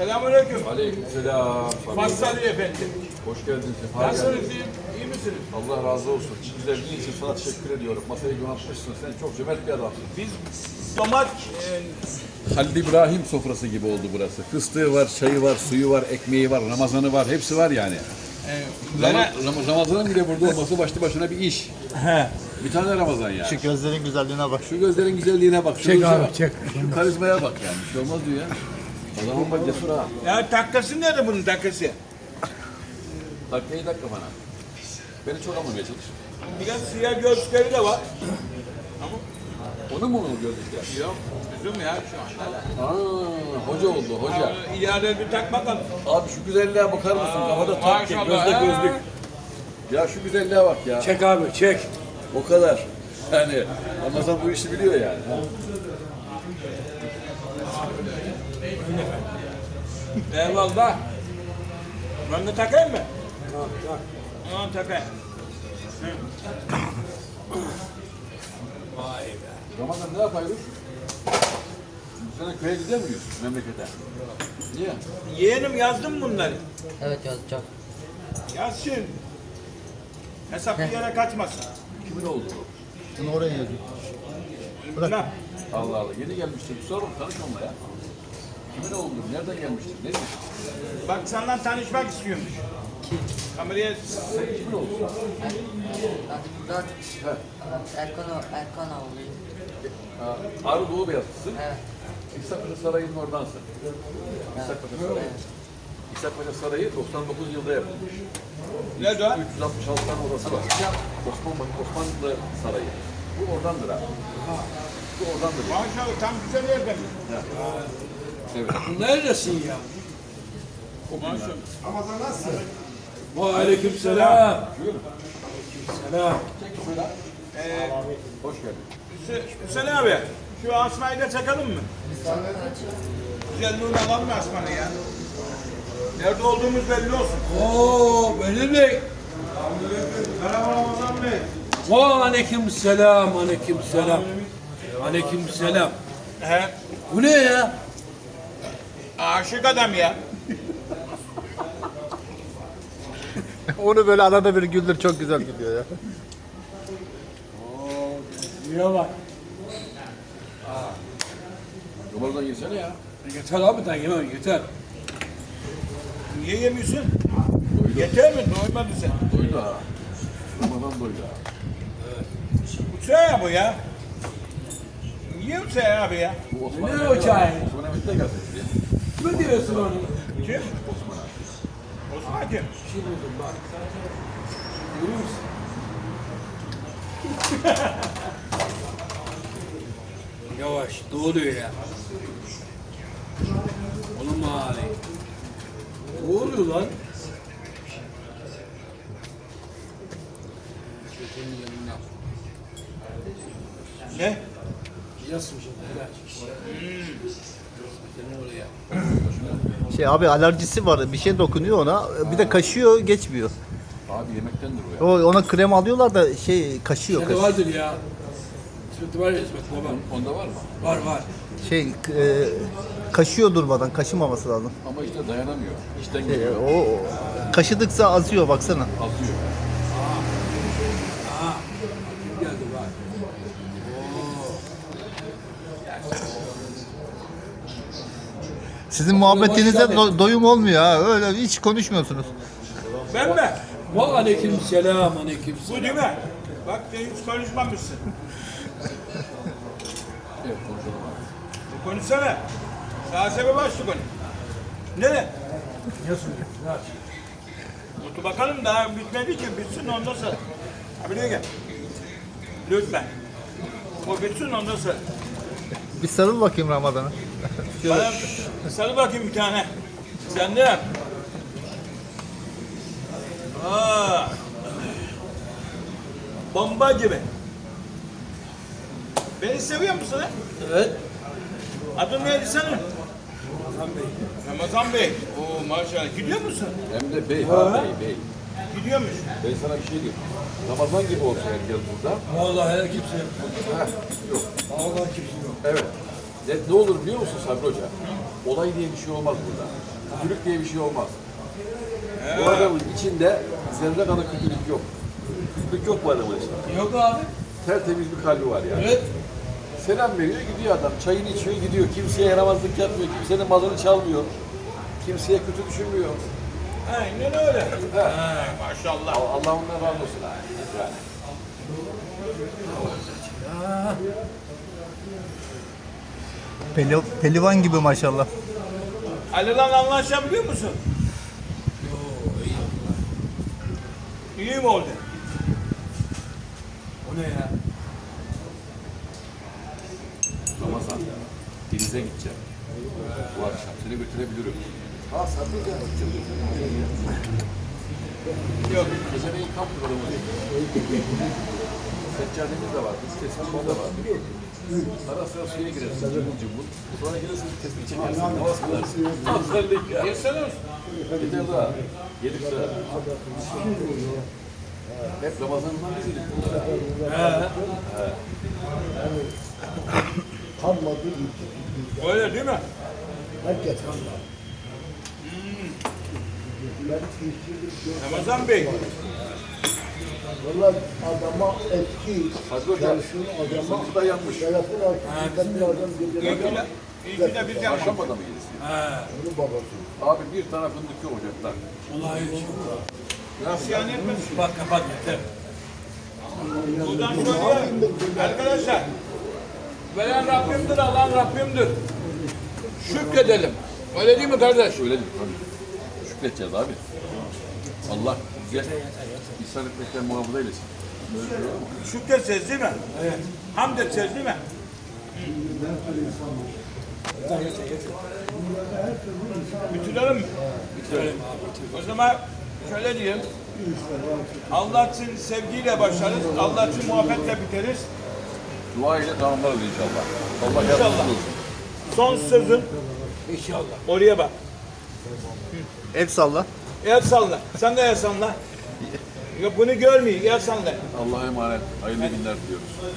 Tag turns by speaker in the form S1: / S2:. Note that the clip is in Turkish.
S1: Selamünaleyküm.
S2: Aleykümselam.
S1: Fazıl Ali Efendi.
S2: Hoş geldiniz.
S1: Nasılsınız? İyi misiniz?
S2: Allah razı olsun. Güzelliğin için sana teşekkür ediyorum. Masayı donatmışsın. Sen çok cömert bir adamsın.
S1: Biz domat...
S2: Halil İbrahim sofrası gibi oldu burası. Fıstığı var, çayı var, suyu var, ekmeği var, Ramazanı var. Hepsi var yani. Ramazan'ın bile burada olması başlı başına bir iş. Bir tane Ramazan yani.
S3: Şu gözlerin güzelliğine bak.
S2: Şu gözlerin güzelliğine bak. Şu
S4: Çek abi,
S2: bak.
S4: çek.
S2: Şu karizmaya bak yani. Bir şey olmaz diyor ya. O zaman bak cesur ha.
S1: Ya takkası nerede bunun takkası?
S2: Dakikayı dakika bana. Beni çok anlamaya çalış.
S1: Biraz siyah gözlükleri de var.
S2: Onu mu gördük ya?
S1: Yok, üzüm ya şu anda.
S2: Hoca oldu, hoca.
S1: İleride bir tak bakalım.
S2: Abi şu güzelliğe bakar mısın? Kafada takke,
S1: maşallah,
S2: gözde
S1: ha.
S2: gözlük. Ya şu güzelliğe bak ya.
S4: Çek abi, çek.
S2: O kadar. Yani Ramazan bu işi biliyor yani.
S1: Eyvallah. Ben de takayım mı? Tamam takayım.
S2: Ramazan ne yapıyoruz? Bu sene köye gider miyiz memlekete? Niye?
S1: Yeğenim yazdım bunları.
S5: Evet yazacağım.
S1: Yazsın. Hesap bir yere kaçmasın.
S2: Kimin oldu?
S3: Bunu oraya yazıyor.
S1: Ne?
S2: Allah Allah. Yeni gelmiştir. Bir sor tanış onunla ya. Kimin oldu? Nereden gelmiştir? Ne diyor?
S1: Bak senden tanışmak istiyormuş. Kameraya
S2: Kimin oldu?
S5: Ben Erkan oğluyum.
S2: Ağrı Doğu Beyazlısın.
S5: Evet.
S2: İshak Paşa Sarayı'nın oradansın. İshak Paşa Sarayı. İshak Paşa Sarayı 99 yılda yapılmış.
S1: ne de?
S2: 366 tane odası var. Osmanlı Sarayı. Bu oradandır abi. Bu oradandır.
S1: Maşallah tam güzel yerden.
S2: Evet.
S4: Neredesin ya?
S1: Maşallah.
S4: Aleyküm selam.
S2: Buyurun.
S4: Selam.
S2: Hoş geldin.
S1: Hüseyin abi, şu asmayı da çakalım mı? Güzelliğini alalım mı asmanı ya? Nerede olduğumuz belli olsun.
S4: Oo, Benim Bey.
S1: Merhaba Ramazan Bey.
S4: Aleyküm selam, aleyküm selam. Aleyküm selam.
S1: He,
S4: Bu ne ya?
S1: aşık adam ya.
S3: Onu böyle arada bir güldür, çok güzel gidiyor ya.
S4: Niye bak?
S2: Ramazan girsene ya.
S4: Yeter abi ben yemem, yeter.
S1: Niye yemiyorsun? Yeter mi? Doymadı sen.
S2: Doydu ha. Ramazan doydu ha.
S1: Uçağı bu ya. Niye uçağı abi ya?
S2: Bu Osman
S4: Ne
S2: Mehmet
S4: o çay?
S2: abi. Osman Mehmet de gelsin şuraya.
S4: Ne diyorsun onu?
S1: Kim?
S2: Osman abi.
S1: Osman kim?
S4: Bir şey buldum bak. Görüyor musun? Yavaş, doğuluyor ya. Oğlum abi. Ne oluyor lan?
S1: Ne?
S4: Yasın şimdi, helal. Senin oraya.
S3: Şey abi, alerjisi var, bir şey dokunuyor ona, bir de kaşıyor, geçmiyor.
S2: Abi yemektendir o ya.
S3: Ona krem alıyorlar da kaşıyor.
S4: Sende vardır ya. İsmet var ya, İsmet baba.
S2: Onda var mı?
S4: Var var.
S3: Kaşıyor durmadan, kaşımaması lazım.
S2: Ama işte dayanamıyor. İşten geliyor.
S3: O kaşıdıkça azıyor, baksana.
S2: Atıyor.
S4: Geldi bak.
S3: Sizin muhabbetinize doyum olmuyor ha, öyle hiç konuşmuyorsunuz.
S1: Ben mi?
S4: Aleyküm selam, aleyküm
S1: Bu
S4: selam.
S1: değil mi? Bak hiç konuşmamışsın.
S2: Evet konuşalım abi.
S1: Konuşsana. Daha sebep açtı konu. Ne? Otur bakalım, daha bitmedi ki. Bitsin ondan sonra. Abi buraya gel. Lütfen. O bitsin ondan sonra.
S3: Bir sarıl bakayım Ramazan'a.
S1: Bana sarı bakayım bir tane. Sen de yap. Aa. Bomba gibi. Beni seviyor musun ha?
S4: Evet.
S1: Adın neydi senin?
S4: Ramazan Bey.
S1: Ramazan Bey. Oo maşallah. Gidiyor musun?
S2: Hem de bey ha bey.
S1: Gidiyormuş.
S2: Ben sana bir şey diyeyim. Ramazan gibi olsa herkes burada.
S4: Vallahi kimse yok.
S2: Heh, yok.
S4: Vallahi kimse yok.
S2: Evet. Ne olur biliyor musun Sabri Hoca? Olay diye bir şey olmaz burada. Kötülük diye bir şey olmaz. Bu adamın içinde zerre kadar kötülük yok. Kötülük yok bu adamın içinde.
S4: Yok abi.
S2: Tertemiz bir kalbi var yani.
S4: Evet.
S2: Selam veriyor, gidiyor adam. Çayını içiyor, gidiyor. Kimseye yaramazlık yapmıyor, kimsenin malını çalmıyor. Kimseye kötü düşünmüyor.
S1: Aynen öyle. Maşallah.
S2: Allah ondan razı olsun. Yani.
S3: Pelivan gibi maşallah.
S1: Ali'yle anlaşabiliyor musun? İyi mi oldu?
S4: O ne ya?
S2: Ramazan, denize gideceğim. Bu akşam seni götürebilirim. Ha satacağım.
S1: Yok.
S2: Geceleyin kamp programı. Seccademiz de var, biz tespihimiz de var. Ara sıra suya girersin, cımbıl cımbıl. Sonra gelirsin, tespih çekersin, namaz kılarsın. Hazırlık ya.
S1: Yesene olsun.
S2: Yeter daha. Yedik sıra. Hep Ramazan'dan biz yedik bunları.
S6: Kalmadı gitti.
S1: Öyle değil mi?
S6: Herkes kalmadı. Ben işçilik
S1: Ramazan Bey.
S6: valla adama eski
S2: Hadi hocam,
S6: çalışın adama
S2: sınıfı da yanmış.
S6: telefon açtı. Bir adam
S1: İyi
S6: geceler
S1: ki de, iyi ki de biz yapmadık.
S2: Akşam adamı gelirsin.
S6: onun babası.
S2: Abi bir tane fındık yok ocakta.
S4: Vallahi hiç yok.
S1: İsyan etmesin.
S4: Kapat kapat yeter.
S1: Buradan söylüyorum. Arkadaşlar. Veren Rabbimdir, alan Rabbimdir. Şükredelim. Öyle değil mi kardeş?
S2: Öyle değil tabii. Şükredeceğiz abi. Allah bize ihsan etmekten muhafaza eylesin.
S1: Şükredeceğiz değil mi? Evet. Hamd edeceğiz değil mi? Bitirelim mi? Bitirelim. O zaman şöyle diyeyim. Allah için sevgiyle başlarız. Allah için muhabbetle biteriz.
S2: Dua ile tamamlarız inşallah. Allah
S1: İnşallah.
S2: yardımcımız olsun.
S1: Son sözün
S4: İnşallah.
S1: oraya bak.
S3: El salla.
S1: El salla. Sen de el salla. Yok bunu görmeyin. El salla.
S2: Allah'a emanet. Hayırlı günler diliyoruz.